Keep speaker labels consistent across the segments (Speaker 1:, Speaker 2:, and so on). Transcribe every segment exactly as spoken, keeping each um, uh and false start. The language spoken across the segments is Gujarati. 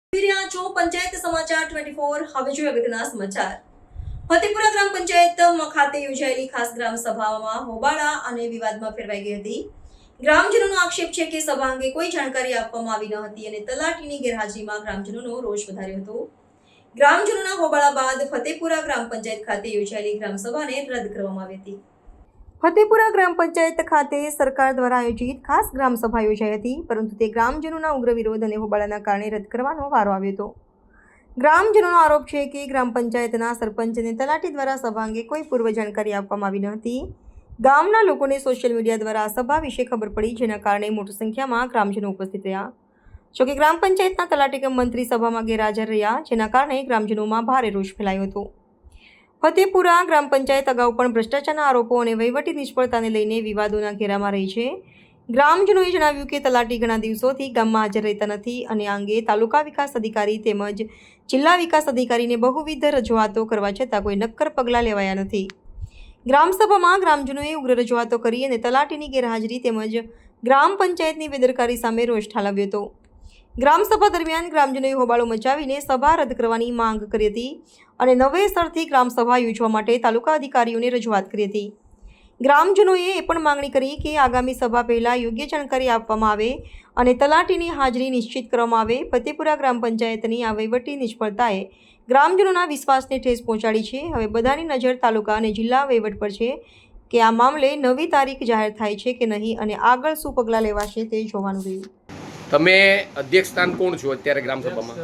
Speaker 1: પંચાયત સમાચાર ટ્વેન્ટી ફોર હવે જોઈએ અગત્યના સમાચાર. ફતેપુરા ગ્રામ પંચાયત ખાતે યોજાયેલી ખાસ ગ્રામ સભામાં હોબાળા અને વિવાદમાં ફેરવાઈ ગઈ હતી. ગ્રામજનોનો આક્ષેપ છે કે સભા અંગે કોઈ જાણકારી આપવામાં આવી ન હતી અને તલાટીની ગેરહાજરીમાં ગ્રામજનોનો રોષ વધાર્યો હતો. ગ્રામજનોના હોબાળા બાદ ફતેપુરા ગ્રામ પંચાયત ખાતે યોજાયેલી ગ્રામ સભાને રદ કરવામાં આવી હતી. ફતેપુરા ગ્રામ પંચાયત ખાતે સરકાર દ્વારા આયોજિત ખાસ ગ્રામ સભા યોજાઈ હતી, પરંતુ તે ગ્રામજનોના ઉગ્ર વિરોધ અને હોબાળાના કારણે રદ કરવાનો વારો આવ્યો હતો. ગ્રામજનોનો આરોપ છે કે ગ્રામ પંચાયતના સરપંચ અને તલાટી દ્વારા સભા અંગે કોઈ પૂર્વ જાણકારી આપવામાં આવી ન હતી. ગામના લોકોને સોશિયલ મીડિયા દ્વારા આ સભા વિશે ખબર પડી, જેના કારણે મોટી સંખ્યામાં ગ્રામજનો ઉપસ્થિત રહ્યા. જોકે ગ્રામ પંચાયતના તલાટી કમ મંત્રી સભામાં ગેરહાજર રહ્યા, જેના કારણે ગ્રામજનોમાં ભારે રોષ ફેલાયો હતો. ફતેપુરા ગ્રામ પંચાયત અગાઉ પણ ભ્રષ્ટાચારના આરોપો અને વહીવટી નિષ્ફળતાને લઈને વિવાદોના ઘેરામાં રહી છે. ગ્રામજનોએ જણાવ્યું કે તલાટી ઘણા દિવસોથી ગામમાં હાજર રહેતા નથી અને આ અંગે તાલુકા વિકાસ અધિકારી તેમજ જિલ્લા વિકાસ અધિકારીને બહુવિધ રજૂઆતો કરવા છતાં કોઈ નક્કર પગલાં લેવાયા નથી. ગ્રામસભામાં ગ્રામજનોએ ઉગ્ર રજૂઆતો કરી અને તલાટીની ગેરહાજરી તેમજ ગ્રામ પંચાયતની બેદરકારી સામે રોષ ઠાલવ્યો હતો. ગ્રામસભા દરમિયાન ગ્રામજનોએ હોબાળો મચાવીને સભા રદ કરવાની માંગ કરી હતી અને નવેસરથી ગ્રામસભા યોજવા માટે તાલુકા અધિકારીઓને રજૂઆત કરી હતી. ગ્રામજનોએ એ પણ માંગણી કરી કે આગામી સભા પહેલાં યોગ્ય જાણકારી આપવામાં આવે અને તલાટીની હાજરી નિશ્ચિત કરવામાં આવે. ફતેપુરા ગ્રામ પંચાયતની આ વહીવટી નિષ્ફળતાએ ગ્રામજનોના વિશ્વાસને ઠેસ પહોંચાડી છે. હવે બધાની નજર તાલુકા અને જિલ્લા વહીવટ પર છે કે આ મામલે નવી તારીખ જાહેર થાય છે કે નહીં અને આગળ શું પગલાં લેવાશે તે જોવાનું રહ્યું.
Speaker 2: તમે અધ્યક્ષ સ્થાન કોણ છો અત્યારે ગ્રામસભામાં?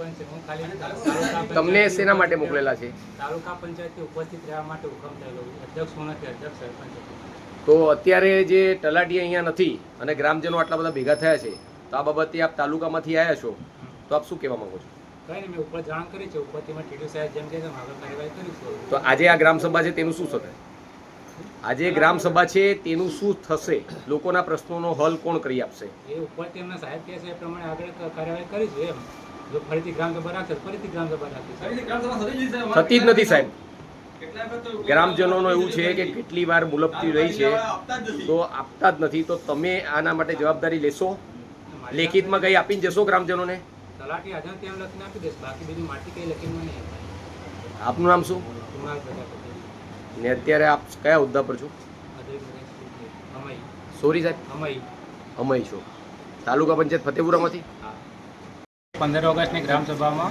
Speaker 2: તમને શેના માટે મોકલેલા છે?
Speaker 3: તાલુકા પંચાયતની ઉપસ્થિત રહેવા માટે હુકમ થયેલો. અધ્યક્ષ હું નથી, અધ્યક્ષ સરપંચ.
Speaker 2: તો અત્યારે જે તલાટી અહીંયા નથી અને ગ્રામજનો આટલા બધા ભેગા થયા છે, તો આ બાબતે આપ તાલુકામાંથી આવ્યા છો, તો આપ શું કહેવા માંગો છો?
Speaker 3: કંઈ નહીં, મેં ઉપર જાણ કરી છે. ઉપરથી મેં ટીડીઓ સાહેબ જેમ કે આગળ કાર્યવાહી કરીશું.
Speaker 2: તો આજે આ ગ્રામસભા છે તેનું શું થશે? આજે ગ્રામસભા છે તેનું શું થશે? લોકોના પ્રશ્નોનો હલ કોણ કરી આપશે?
Speaker 3: એ ઉપરથી એમના સાહેબ કહે છે એ પ્રમાણે આગળ કાર્યવાહી કરીશું. એમ જો ફરીથી ગ્રામસભા રાખશે ફરીથી ગ્રામસભા રાખીશું.
Speaker 2: થતી જ નથી સાહેબ. ગ્રામજનોનું એવું છે કે કેટલી વાર મુલતવી રહી છે તો આપતા જ નથી. તો તમે આના માટે જવાબદારી લેશો? લેખિતમાં કંઈ આપીને જશો ગ્રામજનોને?
Speaker 3: તલાટી હાજર ત્યાં લખીને આપી દેશે, બાકી બીજી માટી કંઈ લખીને નહીં.
Speaker 2: આપનું નામ શું
Speaker 3: કુમાર પ્રજાપતિ
Speaker 2: ને અત્યારે આપ કયા હોદ્દા પર છો?
Speaker 3: અમય.
Speaker 2: સોરી સાહેબ?
Speaker 3: અમય.
Speaker 2: અમય છો. તાલુકા પંચાયત ફતેપુરામાંથી?
Speaker 3: પંદર ઓગસ્ટની ગ્રામસભામાં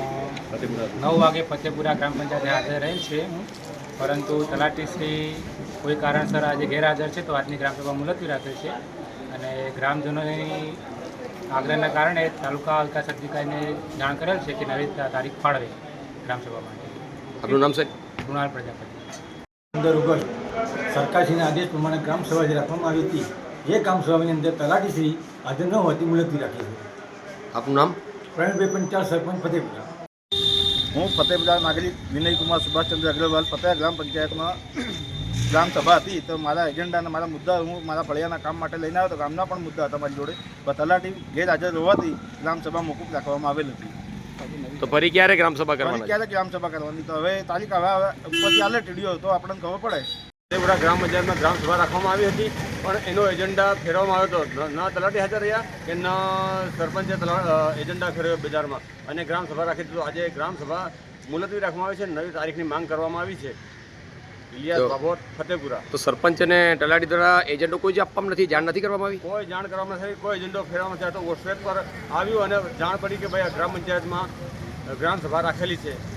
Speaker 3: નવ વાગે ફતેપુરા ગ્રામ પંચાયતે હાજર રહેલ છે હું, પરંતુ તલાટીશ્રી કોઈ કારણસર આજે ગેરહાજર છે, તો આજની ગ્રામસભા મુલતવી રાખેલ છે અને ગ્રામજનોની આગ્રહના કારણે તાલુકા વિકાસ અધિકારીને જાણ કરેલ છે કે નવી તારીખ ફાળવે ગ્રામસભા માટે.
Speaker 2: આપનું નામ સાહેબ?
Speaker 3: કુણાલ પ્રજાપતિ.
Speaker 4: પંદર ઓગસ્ટ સરકારશ્રીના આદેશ પ્રમાણે ગ્રામસભા જે રાખવામાં આવી હતી, એ ગ્રામસભાની અંદર તલાટીશ્રી હાજર ન હોવાથી મુલતવી રાખી છે.
Speaker 2: આપનું નામ?
Speaker 4: પ્રવીણભાઈ પંચાલ, સરપંચ ફતેપુરા.
Speaker 5: હું ફતેપુરા નાગરિક વિનયકુમાર સુભાષચંદ્ર અગ્રવાલ. ફતેપુરા ગ્રામ પંચાયતમાં ગ્રામસભા હતી, તો મારા એજન્ડા અને મારા મુદ્દા હું મારા ફળિયાના કામ માટે લઈને આવ્યો. તો ગામના પણ મુદ્દા હતા મારી જોડે, પણ તલાટી ગેરહાજર હોવાથી ગ્રામસભા મોકૂફ રાખવામાં આવેલ હતી.
Speaker 2: તો ફરી ક્યારે ગ્રામસભા કરવાની?
Speaker 5: ક્યારે ગ્રામસભા કરવાની? તો હવે તારીખ હવે ઉપરથી આલે ટીડીઓ તો આપણને ખબર પડે.
Speaker 2: ફતેપુરા ગ્રામ પંચાયતમાં ગ્રામસભા રાખવામાં આવી હતી, પણ એનો એજન્ડા ફેરવવામાં આવ્યો હતો. ન તલાટી હાજર રહ્યા કે ન સરપંચે એજન્ડા ફેરવ્યો બજારમાં અને ગ્રામસભા રાખી દીધું. આજે ગ્રામસભા મુલતવી રાખવામાં આવી છે, નવી તારીખની માંગ કરવામાં આવી છે. ઇલિયાસ બાબોટ, ફતેપુરા. તો સરપંચ અને તલાટી દ્વારા એજન્ડો કોઈ જ આપવામાં નથી, જાણ નથી કરવામાં આવી? કોઈ જાણ કરવામાં નથી, કોઈ એજન્ડો ફેરવવામાં નથી. તો વોટ્સએપ પર આવ્યું અને જાણ પડી કે ભાઈ આ ગ્રામ પંચાયતમાં ગ્રામસભા રાખેલી છે.